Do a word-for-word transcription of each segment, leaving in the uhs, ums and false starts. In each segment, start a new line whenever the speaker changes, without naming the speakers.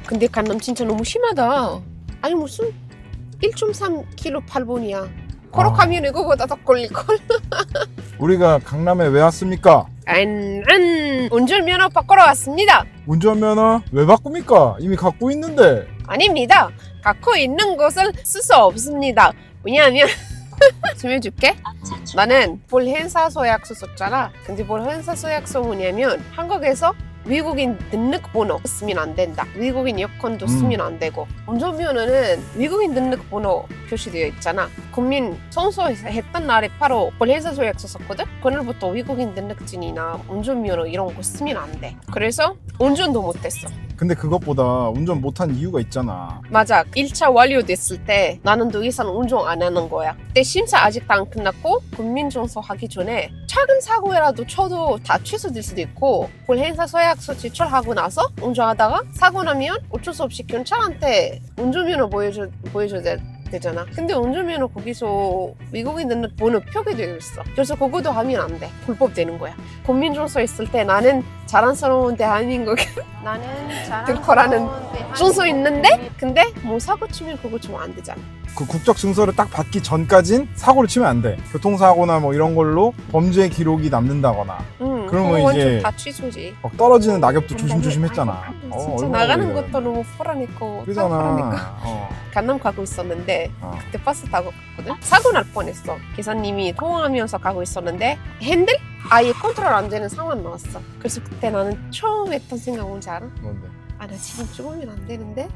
근데 강남 진짜 너무 심하다. 아니 무슨 일 점 삼 킬로미터 팔 분이야. 걸어가면 아. 이거보다 더 걸릴걸.
우리가 강남에 왜 왔습니까?
안, 안, 운전면허 바꾸러 왔습니다.
운전면허 왜 바꿉니까? 이미 갖고 있는데.
아닙니다. 갖고 있는 것을 쓸 수 없습니다. 왜냐하면 설명해줄게. 나는 볼행사 서약서 썼잖아. 근데 볼행사 서약서 뭐냐면 한국에서 외국인 등록번호 쓰면 안 된다. 외국인 여권도 쓰면 안 되고 운전면허는 외국인 등록번호 표시되어 있잖아. 국민 선서에서 했던 날에 바로 볼행사 서약서 썼거든. 그날부터 외국인 등록증이나 운전면허 이런 거 쓰면 안 돼. 그래서 운전도 못했어.
근데 그것보다 운전 못한 이유가 있잖아.
맞아. 일 차 완료됐을 때 나는 더 이상 운전 안 하는 거야. 근데 심사 아직도 안 끝났고 국민증서 하기 전에 작은 사고라도 쳐도 다 취소될 수도 있고 볼행사 서약서 제출하고 나서 운전하다가 사고 나면 어쩔 수 없이 경찰한테 운전면허 보여줘, 보여줘야 돼. 되잖아. 근데 운전면허 거기서 외국인 등록번호 표기되어 있어. 그래서 그것도 하면 안 돼. 불법 되는 거야. 국민증서 있을 때 나는 자랑스러운 대한민국 나는 들거라는 증서 있는데 근데 뭐 사고 치면 그거 좀 안 되잖아.
그 국적 증서를 딱 받기 전까진 사고를 치면 안 돼. 교통사고나 뭐 이런 걸로 범죄 기록이 남는다거나.
응,
그러면 이제
다 취소지.
막 떨어지는 낙엽도 조심조심했잖아.
진짜
어,
나가는
그래.
것도 너무 불안했고
그잖아. 어.
강남 가고 있었는데
어.
그때 버스 타고 갔거든. 사고 날 뻔했어. 기사님이 통화하면서 가고 있었는데 핸들 아예 컨트롤 안 되는 상황 나왔어. 그래서 그때 나는 처음 했던 생각 뭔지 알아?
뭔데?
아 나 지금 죽으면 안 되는데?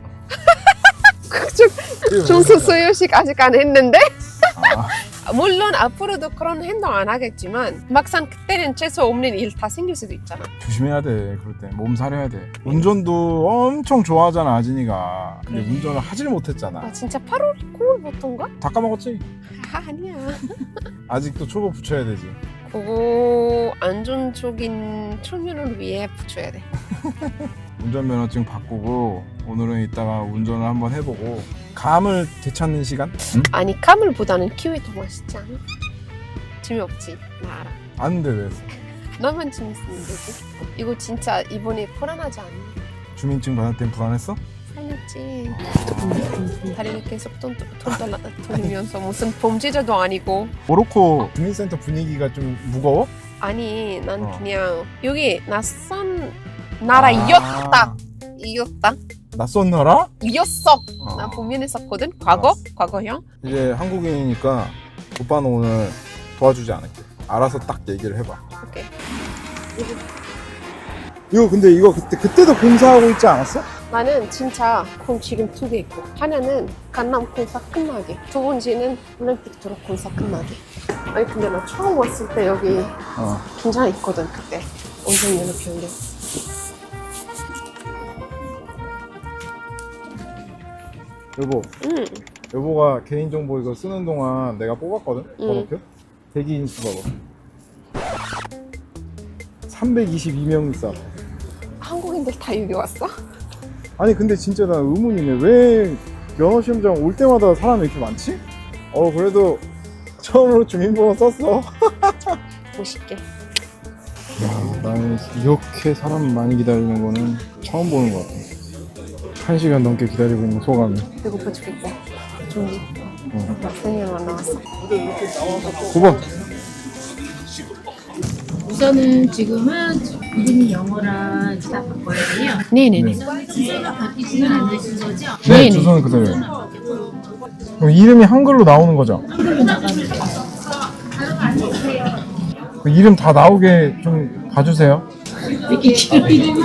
중수 수요식 아직 안 했는데?
아.
물론 앞으로도 그런 행동 안 하겠지만 막상 그때는 재수 없는 일 다 생길 수도 있잖아.
조심해야 돼. 그럴 때 몸 사려야 돼. 운전도 엄청 좋아하잖아 아진이가. 근데
그래.
운전을 하질 못했잖아.
아 진짜 팔월, 구월부터인가?
다 까먹었지?
아, 아니야.
아직도 초보 붙여야 되지.
그거 안전적인 측면을 위해 붙여야 돼.
운전면허증 바꾸고 오늘은 이따가 운전을 한번 해보고 감을 되찾는 시간? 응?
아니 카물보다는 키위 더 맛있지 않아? 재미없지? 나 알아.
아는데 왜?
너만 재밌으면 되지. 이거 진짜 이번에 불안하지 않니?
주민증 받을 땐 불안했어?
살렸지. 다리를 계속 돈, 돈 달라 돌리면서 무슨 범죄자도 아니고.
모로코 주민센터 분위기가 좀 무거워?
아니 난
어.
그냥 여기 낯선 나라이었다.
아,
이었다.
낯선 나라?
이었어.
어.
나 보면했었거든. 과거?
알았어.
과거형.
이제 한국인이니까 오빠는 오늘 도와주지 않을게. 알아서 딱 얘기를 해봐.
오케이.
이거 근데 이거 그때 그때도 공사하고 있지 않았어?
나는 진짜 콩 지금 두 개 있고 하나는 강남 공사 끝나게 두 번째는 올림픽 도로 공사 끝나게. 아니 근데 나 처음 왔을 때 여기
어.
긴장했거든 그때. 운전면허 변경.
여보,
응.
여보가 개인정보 이거 쓰는 동안 내가 뽑았거든?
응.
번호표? 대기 인수 봐봐. 삼백이십이 명 있어.
한국인들 다 여기 왔어?
아니 근데 진짜 나 의문이네. 왜 면허시험장 올 때마다 사람이 이렇게 많지? 어 그래도 처음으로 주민번호 썼어.
멋있게.
야, 나는 이렇게 사람 많이 기다리는 거는 처음 보는 것 같아. 한 시간 넘게 기다리고 있는 소감이.
배고파 죽겠다. 종이.
응.
학생이랑 나왔어.
구 번.
우선은 지금은 이름이 영어랑 다 바꿔야 돼요.
네네네.
주소가 바뀌지는 않으신 거죠?
네,
네네.
주소는 그대로예요. 그럼 이름이 한글로 나오는 거죠?
한글로 나가면 돼요.
그 이름 다 나오게 좀 봐주세요.
이렇게 길이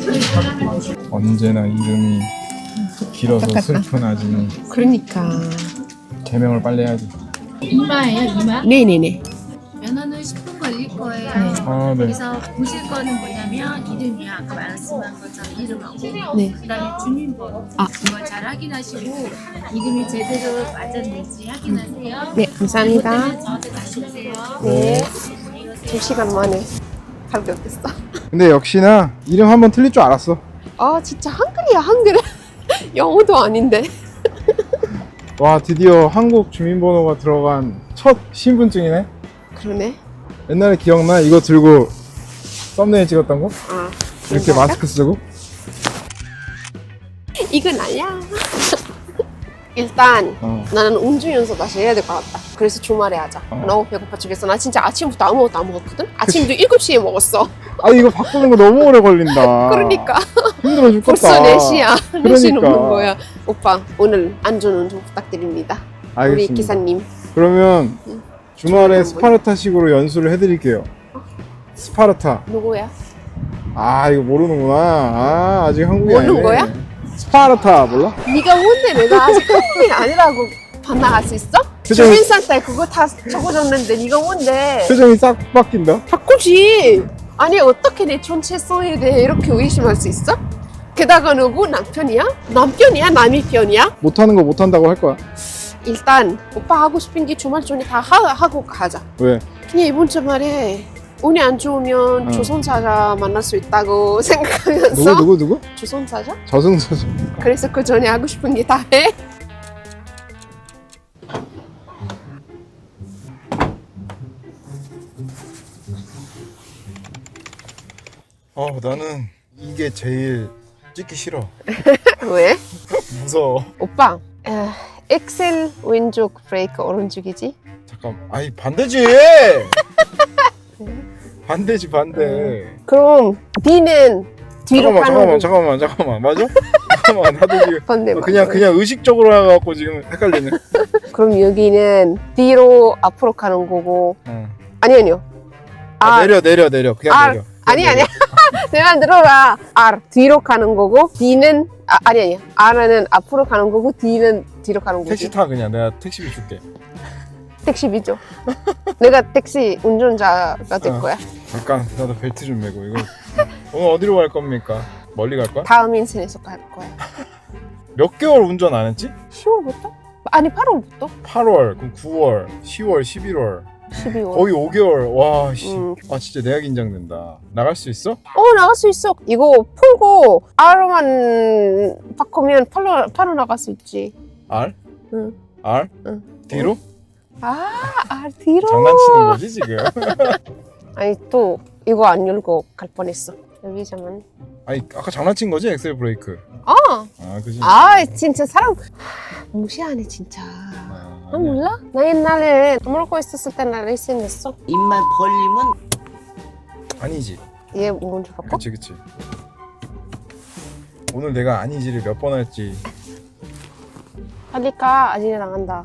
언제나 이름이 길어서 슬픈 아지는
그러니까.
개명을 빨리 해야지.
이마예요, 이마?
네네네.
면허는 십 분 걸릴 거예요.
아, 네.
그래서 보실 거는 뭐냐면 이름이요. 아까 말씀한 것처럼 이름하고
네.
그다음에 주민번호
아.
이걸 잘 확인하시고 이름이 제대로 맞았는지 확인하세요.
네 감사합니다.
그것 때문에 저한테 다시 오세요.
네. 두 시간 만에 발견됐어.
근데 역시나 이름 한번 틀릴 줄 알았어.
아 진짜 한글이야 한글. 영어도 아닌데.
와, 드디어 한국 주민번호가 들어간 첫 신분증이네.
그러네.
옛날에 기억나? 이거 들고 썸네일 찍었던 거?
아
이렇게
진짜요?
마스크 쓰고?
이건 아니야. 일단
어.
나는 운전 연습 다시 해야 될 것 같다. 그래서 주말에 하자.
어.
너무 배고파 죽겠어. 나 진짜 아침부터 아무것도 안 먹었거든? 아침도 일곱 시에 먹었어.
아 이거 바꾸는 거 너무 오래 걸린다.
그러니까
힘들어 죽겠다.
벌써 네 시야. 네 시
그러니까.
넘는 거야. 오빠 오늘 안전운전 좀 부탁드립니다.
알겠습니다.
우리 기사님.
그러면
응.
주말에 스파르타식으로 연수를 해드릴게요. 스파르타.
누구야?
아 이거 모르는구나. 아 아직 한국이
모르는
아니네.
거야?
스파르타 몰라?
네가 뭔데 내가 아직 한국인 아니라고 반항할 수 있어?
표정이-
주민상 때 그거 다 적어줬는데 네가 뭔데?
표정이 싹 바뀐다.
바꾸지. 아니 어떻게 내 정체성에 대해 이렇게 의심할 수 있어? 게다가 누구 남편이야? 남편이야? 남의 편이야?
못하는 거 못한다고 할 거야.
일단 오빠 하고 싶은 게 주말 전에 다 하, 하고 가자.
왜?
그냥 이번 주말에 운이 안 좋으면
어.
조선사자 만날 수 있다고 생각하면서
누구 누구 누구?
조선사자?
저승사자.
그래서 그 전에 하고 싶은 게 다 해?
어 나는 이게 제일 찍기 싫어.
왜?
무서워.
오빠 에, 엑셀 왼쪽 브레이크 오른쪽이지?
잠깐. 아이 반대지. 반대지 반대.
그럼 D는 뒤로
잠깐만
가는
잠깐만
거
잠깐만 잠깐만 맞아? 잠깐만 나도 지금
반대
그냥 그냥 의식적으로 해갖고 지금 헷갈리네.
그럼 여기는 뒤로 앞으로 가는 거고
어.
아니 아니요
아,
아,
내려 내려 내려 그냥
아,
내려.
아니
그냥
아니야 내 말 들어라 R 뒤로 가는 거고 D는 아, 아니 아니야 R은 앞으로 가는 거고 D는 뒤로 가는 거지
택시 타 그냥 내가 택시비 줄게.
택시비죠 내가 택시 운전자가 될
어.
거야
잠깐 나도 벨트 좀 매고 이거 오늘 어디로 갈 겁니까? 멀리 갈 거야?
다음 인생에서 갈 거야
몇 개월 운전 안 했지?
시월부터? 아니 팔월부터?
팔월, 그럼 구월, 시월, 십일월
십이월
거의 오 개월. 와, 씨.
음.
아 진짜 내가 긴장된다. 나갈 수 있어?
어 나갈 수 있어 이거 풀고 R만 바꾸면 팔로, 팔로 나갈 수 있지
R?
응.
R?
응.
뒤로?
아 R 뒤로
장난치는 거지 지금?
아니 또 이거 안 열고 갈 뻔했어 여기 잠만
아니 아까 장난친 거지 엑셀 브레이크.
아,
아 그지?
아 진짜 사람 무시하네 진짜
아,
아
아니야.
몰라? 나 옛날에 아무렇고 있었을 때 나 레이싱 했어
입만 벌리면
아니지.
얘 뭔지 바꿔?
그치 그치. 오늘 내가 아니지를 몇 번 할지.
빨리 가 아직 나간다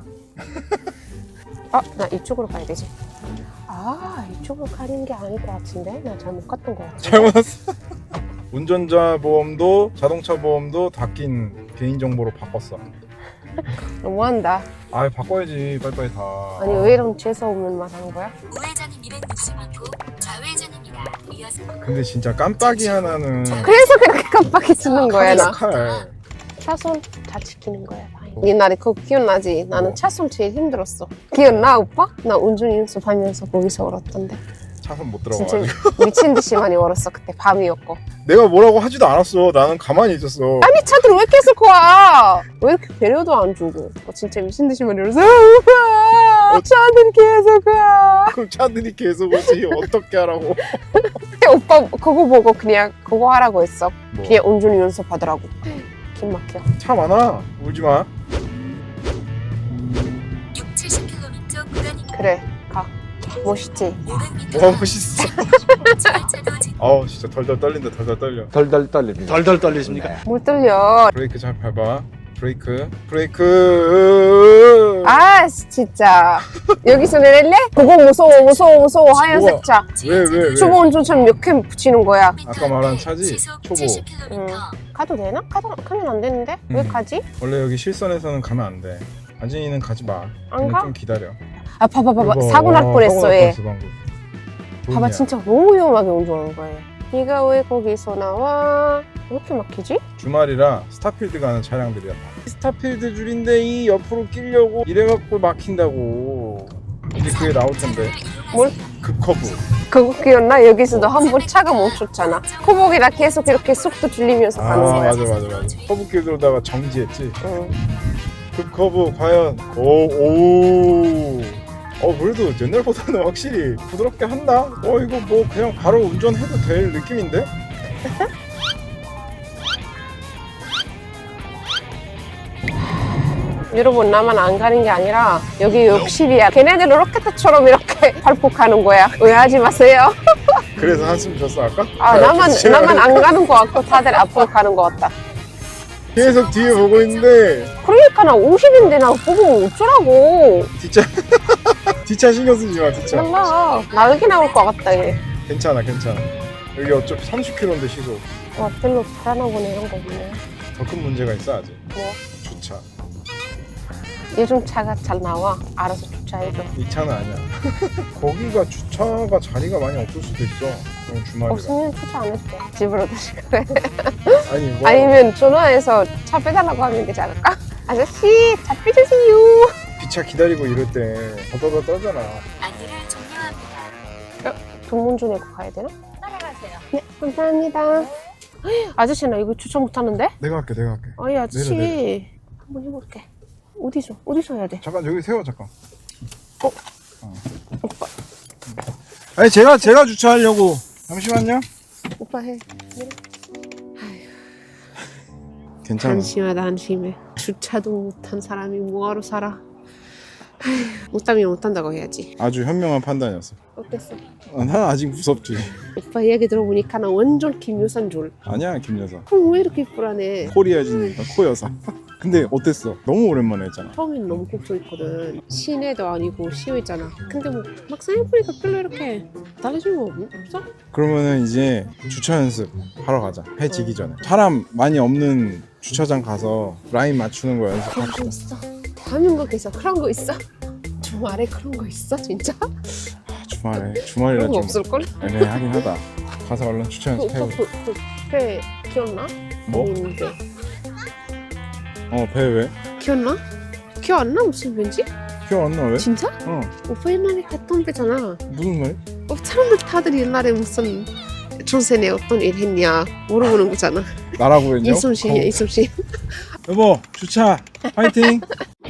아 나 이쪽으로 가야 되지 아 이쪽으로 가는 게 아닐 것 같은데 나 잘못 갔던 것 같은데
잘못 왔어. 운전자 보험도 자동차 보험도 다 낀 개인정보로 바꿨어.
너무한다
아 바꿔야지 빨리빨리 다.
아니 왜 이런 재수없는 말 하는 거야?
우회전은 이백육십 호, 좌회전입니다. 이어서
근데 진짜 깜빡이 하나는
그래서 그렇게 깜빡이 쓰는 거야 나
칼.
차선 다 지키는 거야 다행히. 옛날에 그거 기억나지? 나는 차선 제일 힘들었어 기억나 오빠? 나 운전 연습하면서 거기서 울었던데
차선 못
진짜
들어가가지고.
미친 듯이 많이 울었어 그때 밤이었고
내가 뭐라고 하지도 않았어. 나는 가만히 있었어.
아니 차들 왜 계속 와? 왜 이렇게 배려도 안 주고 어, 진짜 미친 듯이 많이 울었어 오빠 차들 계속 와
그럼 차들이 계속 오지. 어떻게 하라고?
근데 오빠 그거 보고 그냥 그거 하라고 했어
뭐?
그냥 운전 연습하더라고 긴 막혀
차 많아. 울지 마.
육, 칠십 킬로미터 구간입니다.
그래 가 멋있지?
오백 미터
와 멋있어.
지하차도 직
아우 진짜 덜덜 떨린다. 덜덜 떨려.
덜덜 떨립니다. 덜덜 떨리십니까?
못 들려
브레이크 잘 밟아. 브레이크. 브레이크.
아 진짜 여기서 내릴래? 그거 무서워 무서워 무서워 하얀색 차
왜, 왜, 왜?
초보 운전처럼 몇 개 붙이는 거야
아까 말한 차지?
시속
초보.
칠십
응.
킬로미터.
가도 되나? 가도, 가면 안 되는데? 왜
음.
가지?
원래 여기 실선에서는 가면 안 돼. 아진이는 가지 마.
안
그냥
가?
좀 기다려.
아 봐봐 봐봐
이거,
사고 날
와,
뻔했어
사고 날
얘
뻔했어, 방금.
봐봐
조용히야.
진짜 너무 위험하게 운전하는 거야 네가 왜 거기서 나와? 왜 이렇게 막히지?
주말이라 스타필드 가는 차량들이야. 스타필드 줄인데 이 옆으로 끼려고 이래갖고 막힌다고. 이제 그게 나올 텐데.
뭘?
급커브.
그거 기억나? 여기서도 한 번 차가 멈췄잖아 코복이라 계속 이렇게 속도 줄이면서
아
가는 거야
맞아 맞아 맞아. 커브길 돌다가 정지했지.
응.
급커브 과연 오오. 어 그래도 옛날보다는 확실히 부드럽게 한다. 어 이거 뭐 그냥 바로 운전해도 될 느낌인데?
여러분 나만 안 가는 게 아니라 여기 욕실이야. 걔네들은 로켓처럼 이렇게 발폭하는 거야. 오해하지 마세요.
그래서 한숨 쉬었어 아까?
아 나만 나만 안 가는 거 같고 다들 앞으로 가는 거 같다.
계속 뒤에 보고 있는데
그러니까 나 오십인데 나 보고 어쩌라고.
뒷차 뒷차 신경 쓰지 마 뒷차.
몰라. 나르게 나올 것 같다 얘.
괜찮아 괜찮아. 여기 어차피 삼십 킬로미터인데 시속.
와 별로 불안하 보네 이런 거 보네.
더 큰 문제가 있어 아직.
뭐?
주차.
요즘 차가 잘 나와. 알아서 주차해줘.
이 차는 아니야. 거기가 주차가 자리가 많이 없을 수도 있어. 그럼 주말이라.
없으면 주차 안 해도 돼. 집으로 다시 그래.
아니 뭐
아니면 전화해서 차 빼달라고 하면 되지 않을까? 아저씨 차 빼주세요.
뒷차 기다리고 이럴 때 더더더 떨잖아.
안내를 종료합니다.
돈 먼저 내고 가야 되나?
따라가세요.
네 감사합니다. 아저씨 나 이거 주차 못하는데?
내가 할게 내가 할게.
아이 아저씨
내려, 내려.
한번 해볼게. 어디서 어디서 해야 돼?
잠깐 여기 세워 잠깐. 어? 어. 아니 제가 제가 주차하려고. 잠시만요.
오빠 해.
괜찮아.
한심하다 한심해. 주차도 못한 사람이 뭐하러 살아. 아휴, 못하면 못한다고 해야지.
아주 현명한 판단이었어.
어땠어?
아, 난 아직 무섭지.
오빠 얘기 들어보니까 나 완전 김여산 줄.
아니야 김 여사.
그럼 왜 이렇게 불안해?
코리아진이니까 코 여사. 근데 어땠어? 너무 오랜만에 했잖아.
처음엔 너무 걱정했거든. 시내도 아니고 시외잖아. 근데 뭐 막상 해보니까 별로 이렇게 달라진 거 없어?
그러면은 이제 주차 연습 하러 가자. 해 지기 전에. 사람 많이 없는 주차장 가서 라인 맞추는 거
그런 거
연습합시다.
있어? 대한민국에서 그런 거 있어? 주말에 그런 거 있어 진짜?
아, 주말에 주말이라
그런 거
좀
없을걸?
애매하긴 하다. 가서 얼른 주차
그 오빠
연습해보자.
그, 그, 배 기억나?
뭐?
있는데
어 배 왜?
기억나? 기억 안 나? 무슨 왠지?
기억 안 나 왜?
진짜?
어
오빠 옛날에 갔던 배잖아.
무슨 말이?
어, 사람들 다들 옛날에 무슨 조선에 어떤 일 했냐 물어보는 거잖아.
나라고 했냐?
이순신이야 이순신.
여보 주차 파이팅.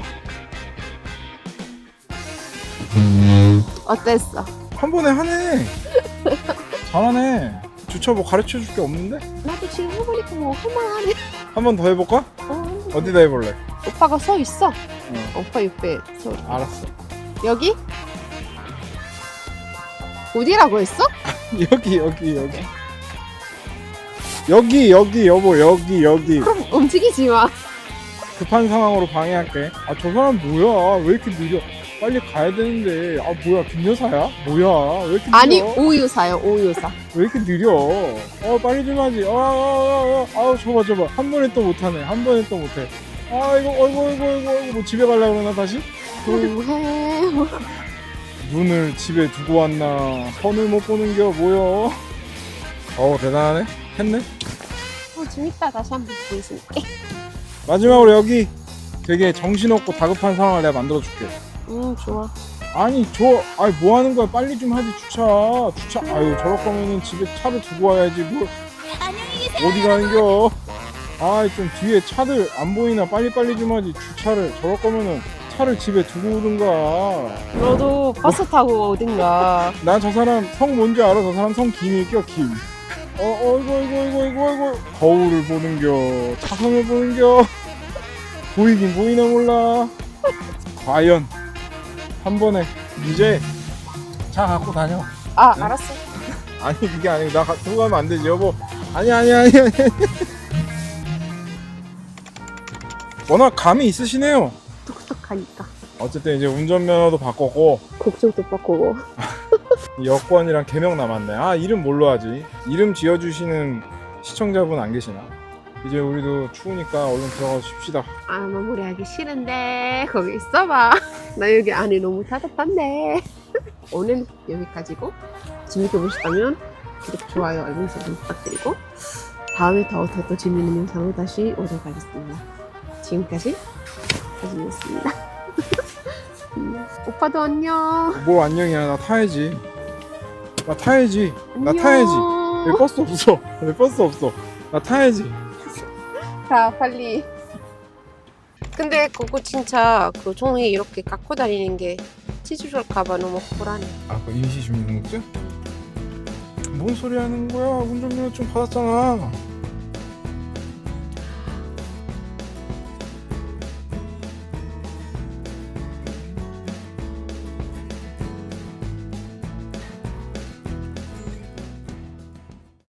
어땠어?
한 번에 하네. 잘하네. 주차 뭐 가르쳐 줄 게 없는데?
나도 지금 해보니까 뭐 할만하네.
한 번 더 해볼까?
어,
어디다 해볼래?
오빠가 서 있어.
어.
오빠 옆에 서.
알았어.
여기? 어디라고 했어?
여기 여기 여기 여기 여기 여보 여기 여기.
그럼 움직이지 마.
급한 상황으로 방해할게. 아 저 사람 뭐야? 왜 이렇게 느려? 빨리 가야 되는데. 아 뭐야 김 여사야? 뭐야? 왜 이렇게 느려?
아니 오유사요 오유사.
왜 이렇게 느려? 어 빨리 좀 하지. 아, 아, 아, 아, 아우 저봐 저봐. 한 번에 또 못하네. 한 번에 또 못해. 아 이거 어이구 어이구 어이구 어이구 뭐 집에 가려고 그러나 다시?
뭐해?
눈을 집에 두고 왔나? 선을 못 보는겨 뭐여? 어우 대단하네. 했네.
어 재밌다. 다시 한번 보겠습니다.
마지막으로 여기 되게 정신없고 다급한 상황을 내가 만들어줄게.
음 좋아.
아니 저 아니 뭐 하는 거야? 빨리 좀 하지 주차 주차. 아유 저럴 거면은 집에 차를 두고 와야지 뭐 어디 가는겨? 아 좀 뒤에 차들 안 보이나 빨리빨리 좀 하지. 주차를 저럴 거면은 차를 집에 두고 오든가.
너도 버스 타고 어딘가.
난 저 사람 성 뭔지 알아? 저 사람 성 김일겨 김. 어 어이구 어이구 어이구 어이구 어이구 거울을 보는겨 차선을 보는겨. 보이긴 보이나 몰라. 과연 한 번에 이제 차 갖고 다녀.
아 알았어.
아니 그게 아니고 나 가- 두고 가면 안 되지 여보. 아니 아니 아니 아니. 워낙 감이 있으시네요.
똑똑하니까.
어쨌든 이제 운전면허도 바꿨고
국적도 바꾸고.
여권이랑 개명 남았네. 아 이름 뭘로 하지? 이름 지어주시는 시청자분 안 계시나? 이제 우리도 추우니까 얼른 들어가서 쉽시다.
아 마무리하기 싫은데 거기 있어봐. 나 여기 안에 너무 따뜻한데. 오늘 여기까지고 재밌게 보셨다면 구독, 좋아요, 알림 설정 부탁드리고 다음에 더 더 더 재밌는 영상으로 다시 오도록 하겠습니다. 지금까지 하진이었습니다. 음, 오빠도 안녕.
뭘 안녕이야. 나 타야지. 나 타야지. 나
안녕.
타야지. 왜 버스 없어? 왜 버스 없어? 나 타야지.
가 빨리. 근데 그거 진짜 그 종이 이렇게 갖고 다니는 게 찢어질까봐 너무 불안해.
아, 그 임시 주민등록증? 뭔 소리 하는 거야? 운전면허 좀 받았잖아.